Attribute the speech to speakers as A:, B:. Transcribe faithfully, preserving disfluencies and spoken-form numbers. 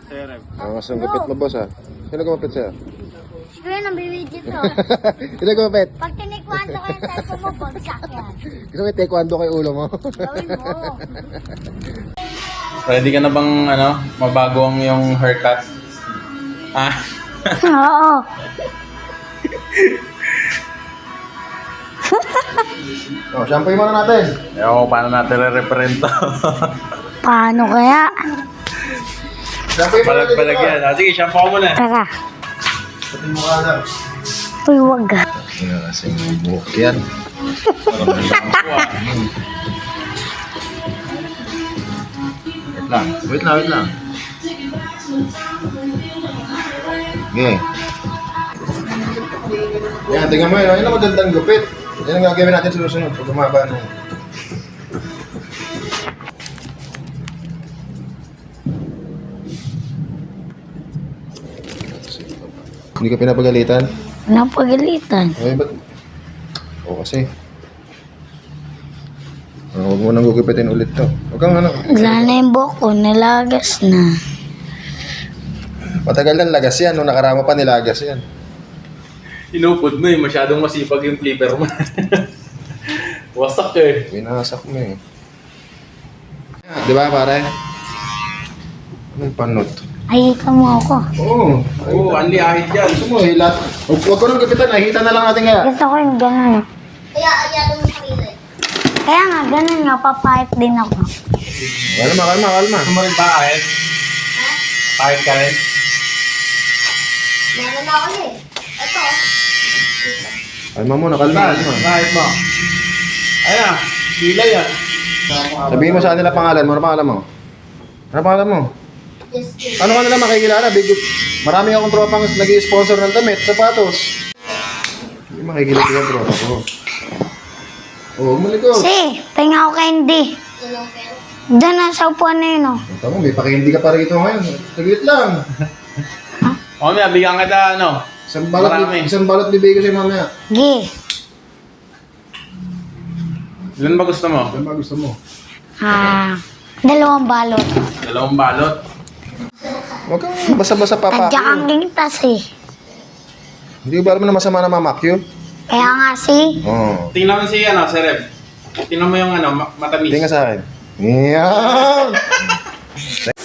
A: Serep.
B: Ah, mas ang gupit mo, boss, ah. Sino gumapit sa'yo?
C: Siguro nang bibidyo to.
B: Sino gumapit?
C: Pag tinikwando ko yung cellphone mo, bagsak yan.
B: Gusto mo yung taekwondo kay ulo mo?
C: Gawin mo.
A: Ready ka na bang, ano, mabago ang yung haircut? Ah?
C: Oo.
B: Oh, shampoo muna natin.
A: Ewan ko paano natin re-referent to.
C: Paano kaya?
B: Shampoo muna natin.
A: Balag-balag yan. Ah, sige, shampoo ko muna.
C: Tara.
B: Pati mo ka lang.
C: Uy, wag.
B: Nga kasing buhok yan. Wait lang. Wait lang, wait lang. Okay. Yan, tingnan mo yun. Yan ang magandang gupit. Yan ang gagawin natin sa susunod. Pag umaba nung... Hindi ka pinapagalitan?
C: Napagalitan.
B: Ay, ba't? Oo kasi. Ah, huwag mo nang gugupitin ulit to. Huwag kang ano.
C: Wala na yung buhok ko, nalagas na.
B: Matagal na lagas yan. Nung nakarama pa nilagas yan.
A: Inupod mo eh. Masyadong masipag yung flipper mo. Wasak eh.
B: Pinasak mo eh. Di ba pare? Anong panot?
C: Ay, ka mo ako.
B: Oo.
A: Oo, oh, anli ahit yan.
B: Gusto mo, hilat. Huwag huwag ko nang gupitan. Nakita na lang natin kaya.
C: Gusto ko yung ganun. Kaya, ayado mo sa kilay. Kaya nga, ganun nga, papahit din ako.
B: Kalma, kalma, kalma.
A: Gusto mo rin ba ahit?
C: Ha?
A: Ahit ka rin?
C: Meron na ako eh. Ito.
B: Kalma muna, kalma. kalma.
A: Ahit mo. Ayan ah, kilay ah.
B: Sabihin mo sa kanila pangalan mo. Ano pangalan mo? Ano pangalan mo?
C: Just kidding.
B: Ano ka nila makikilala? Big, marami akong tropang nag-i-sponsor ng damit, sapatos. Hindi makikilala yung tropa ko. Oo, malikot.
C: Si, tinga ko candy. Diyan na sa upuan na yun, oh.
B: Ito mo, may pakindi ka pa rito ngayon. Taglit lang.
A: O, may bigyan kita ano.
B: Isang balot,
A: Marami.
B: isang balot bibigay ko sa'yo mamaya.
C: Gi.
A: Ilan ba gusto mo?
B: Ano ba gusto mo?
C: Ah, dalawang balot.
A: Dalawang balot.
B: Huwag kang basa-basa
C: Tadya
B: papa.
C: kang lintas eh.
B: Hindi ba alam na masama na mamakyo?
C: Kaya nga si,
B: Oo.
A: Tingnan mo si ano, si Rev. Tingnan mo yung ano, ma- matamis.
B: Tingnan sa akin. Yan!